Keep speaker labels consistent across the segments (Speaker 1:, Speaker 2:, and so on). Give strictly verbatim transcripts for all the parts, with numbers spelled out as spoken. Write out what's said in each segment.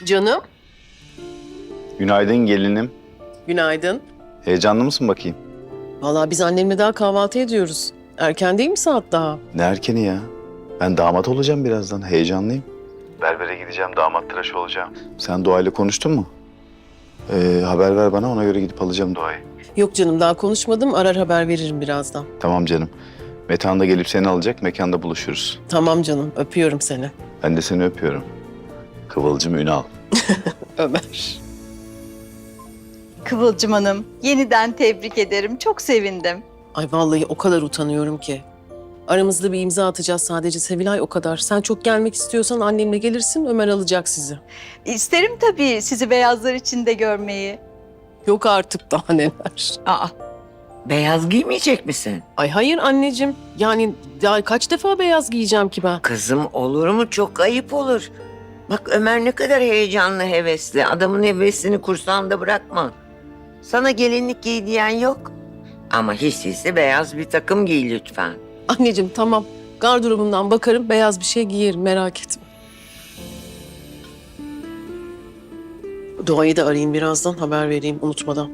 Speaker 1: Canım,
Speaker 2: Günaydın gelinim.
Speaker 1: günaydın.
Speaker 2: Heyecanlı mısın bakayım?
Speaker 1: Vallahi biz annemle daha kahvaltı ediyoruz. Erken değil mi saat daha?
Speaker 2: Ne erkeni ya? Ben damat olacağım birazdan. Heyecanlıyım. Berbere gideceğim, damat tıraşı olacağım. Sen Doğa'yla konuştun mu? Ee, haber ver bana, ona göre gidip alacağım Doğa'yı.
Speaker 1: Yok canım, daha konuşmadım. Arar haber veririm birazdan.
Speaker 2: Tamam canım. Metehan da gelip seni alacak, mekanda buluşuruz.
Speaker 1: Tamam canım, öpüyorum seni.
Speaker 2: Ben de seni öpüyorum. Kıvılcım Ünal.
Speaker 1: Ömer.
Speaker 3: Kıvılcım Hanım, yeniden tebrik ederim. Çok sevindim.
Speaker 1: Ay vallahi o kadar utanıyorum ki. Aramızda bir imza atacağız sadece Sevilay, o kadar. Sen çok gelmek istiyorsan annemle gelirsin, Ömer alacak sizi.
Speaker 3: İsterim tabii sizi beyazlar içinde görmeyi.
Speaker 1: Yok artık, daha neler.
Speaker 4: Aa, beyaz giymeyecek misin?
Speaker 1: Ay hayır anneciğim. Yani daha kaç defa beyaz giyeceğim ki ben?
Speaker 4: Kızım olur mu? Çok ayıp olur. Bak Ömer ne kadar heyecanlı, hevesli. Adamın hevesini kursağında bırakma. Sana gelinlik giy diyen yok. Ama hiç değilse beyaz bir takım giy lütfen.
Speaker 1: Anneciğim tamam. Gardırobumdan bakarım, beyaz bir şey giyerim, merak etme. Doğayı da arayayım birazdan, haber vereyim unutmadan.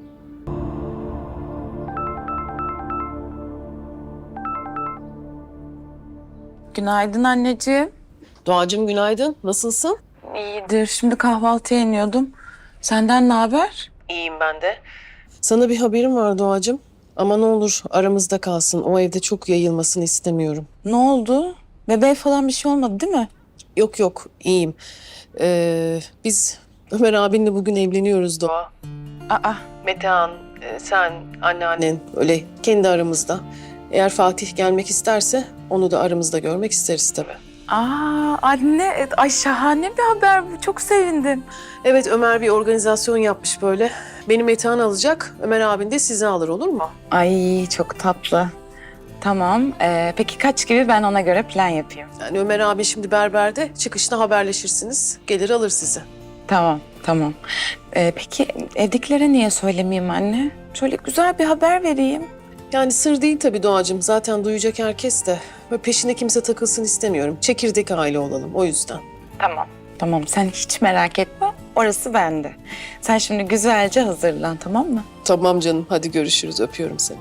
Speaker 5: Günaydın anneciğim.
Speaker 1: Doğacığım günaydın, nasılsın?
Speaker 5: İyidir. Şimdi kahvaltıya iniyordum. Senden ne haber?
Speaker 1: İyiyim ben de. Sana bir haberim var Doğacığım. Ama ne olur aramızda kalsın. O evde çok yayılmasını istemiyorum.
Speaker 5: Ne oldu? Bebeğe falan bir şey olmadı değil mi?
Speaker 1: Yok yok, iyiyim. Ee, biz Ömer abinle bugün evleniyoruz Doğa.
Speaker 5: Aa,
Speaker 1: Metehan, e, sen, anneannen öyle kendi aramızda. Eğer Fatih gelmek isterse onu da aramızda görmek isteriz tabii.
Speaker 5: aa anne, ay şahane bir haber bu. Çok sevindim.
Speaker 1: Evet, Ömer bir organizasyon yapmış böyle. Beni Metehan alacak, Ömer abin de sizi alır, olur mu?
Speaker 5: Ay çok tatlı. Tamam. Ee, peki kaç gibi, ben ona göre plan yapayım.
Speaker 1: Yani Ömer abi şimdi berberde, çıkışta haberleşirsiniz. Gelir alır sizi.
Speaker 5: Tamam, tamam. Ee, peki evdekilere niye söylemeyeyim anne? Şöyle güzel bir haber vereyim.
Speaker 1: Yani sır değil tabii Doğacığım. Zaten duyacak herkes de. Böyle peşine kimse takılsın istemiyorum. Çekirdek aile olalım o yüzden.
Speaker 5: Tamam. Tamam, sen hiç merak etme. Orası bende. Sen şimdi güzelce hazırlan, tamam mı?
Speaker 1: Tamam canım, hadi görüşürüz. Öpüyorum seni.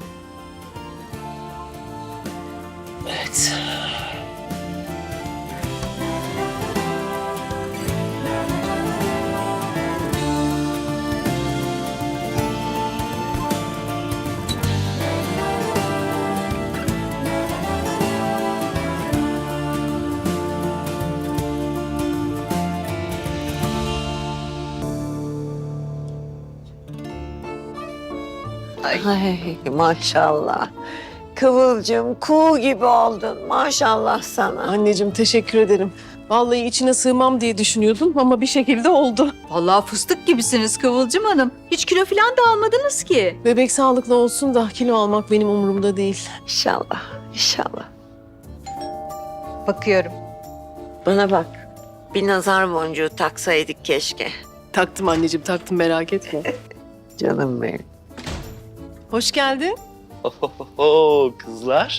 Speaker 1: Evet.
Speaker 4: Ay maşallah. Kıvılcım kuğu gibi oldun. Maşallah sana.
Speaker 1: Anneciğim teşekkür ederim. Vallahi içine sığmam diye düşünüyordum ama bir şekilde oldu.
Speaker 3: Vallahi fıstık gibisiniz Kıvılcım Hanım. Hiç kilo falan da almadınız ki.
Speaker 1: Bebek sağlıklı olsun da kilo almak benim umurumda değil.
Speaker 4: İnşallah, inşallah.
Speaker 3: Bakıyorum.
Speaker 4: Bana bak. Bir nazar boncuğu taksaydık keşke.
Speaker 1: Taktım anneciğim, taktım, merak etme.
Speaker 4: Canım benim.
Speaker 1: Hoş geldin.
Speaker 6: Oho kızlar.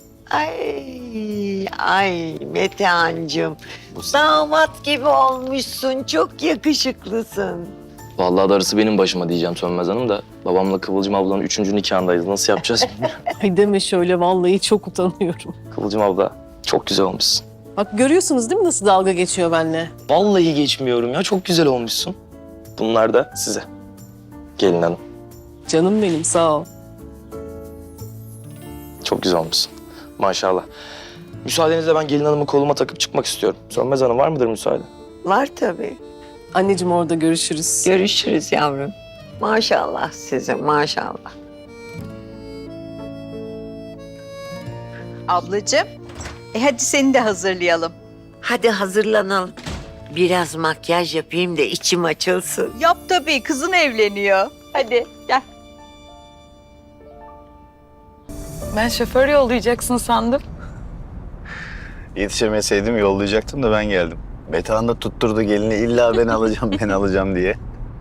Speaker 4: Ay, ay Metehan'cığım. Damat gibi olmuşsun. Çok yakışıklısın.
Speaker 6: Vallahi darısı benim başıma diyeceğim Sönmez Hanım da. Babamla Kıvılcım ablanın üçüncü nikahındayız. Nasıl yapacağız bilmiyorum.
Speaker 1: Ay deme şöyle, vallahi çok utanıyorum.
Speaker 6: Kıvılcım abla çok güzel olmuşsun.
Speaker 1: Bak görüyorsunuz değil mi nasıl dalga geçiyor benimle?
Speaker 6: Vallahi geçmiyorum ya, çok güzel olmuşsun. Bunlar da size. Gelin hanım.
Speaker 1: Canım benim, sağ ol.
Speaker 6: Çok güzel olmuşsun. Maşallah. Müsaadenizle ben gelin hanımı koluma takıp çıkmak istiyorum. Sönmez Hanım var mıdır müsaade?
Speaker 4: Var tabii.
Speaker 1: Anneciğim orada görüşürüz.
Speaker 4: Görüşürüz yavrum. Maşallah size, maşallah.
Speaker 3: Ablacığım, e hadi seni de hazırlayalım.
Speaker 4: Hadi hazırlanalım. Biraz makyaj yapayım da içim açılsın.
Speaker 3: Yap tabii, kızın evleniyor. Hadi gel.
Speaker 5: Ben şoför yollayacaksın sandım.
Speaker 2: Yetişemeseydim yollayacaktım da ben geldim. Metehan da tutturdu gelini, illa ben alacağım, ben alacağım diye.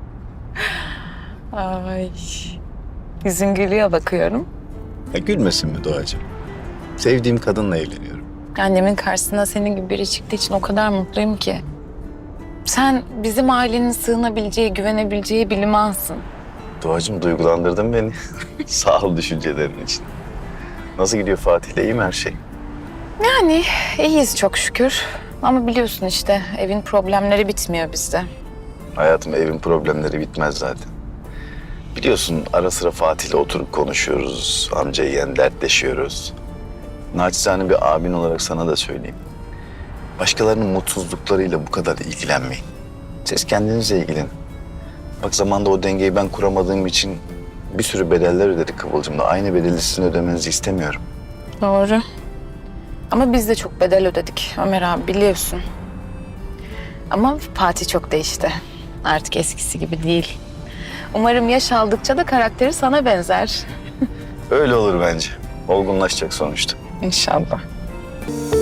Speaker 5: Ay. Yüzün gülüyor bakıyorum.
Speaker 2: Ya gülmesin mi Doğacığım? Sevdiğim kadınla evleniyorum.
Speaker 5: Annemin karşısına senin gibi biri çıktığı için o kadar mutluyum ki. Sen bizim ailenin sığınabileceği, güvenebileceği bir limansın.
Speaker 2: Doğacığım duygulandırdın beni. Sağ ol düşüncelerin için. Nasıl gidiyor Fatih'le, iyi mi her şey?
Speaker 5: Yani iyiyiz çok şükür. Ama biliyorsun işte evin problemleri bitmiyor bizde.
Speaker 2: Hayatım, evin problemleri bitmez zaten. Biliyorsun ara sıra Fatih'le oturup konuşuyoruz. Amca yeğen dertleşiyoruz. Naçizane bir abin olarak sana da söyleyeyim. Başkalarının mutsuzluklarıyla bu kadar ilgilenmeyin. Siz kendinizle ilgilenin. Bak zamanda o dengeyi ben kuramadığım için bir sürü bedeller ödedik Kıvılcım'la. Aynı bedeli sizin ödemenizi istemiyorum.
Speaker 5: Doğru. Ama biz de çok bedel ödedik Ömer abi biliyorsun. Ama Fatih çok değişti. Artık eskisi gibi değil. Umarım yaş aldıkça da karakteri sana benzer.
Speaker 2: Öyle olur bence. Olgunlaşacak sonuçta.
Speaker 5: İnşallah.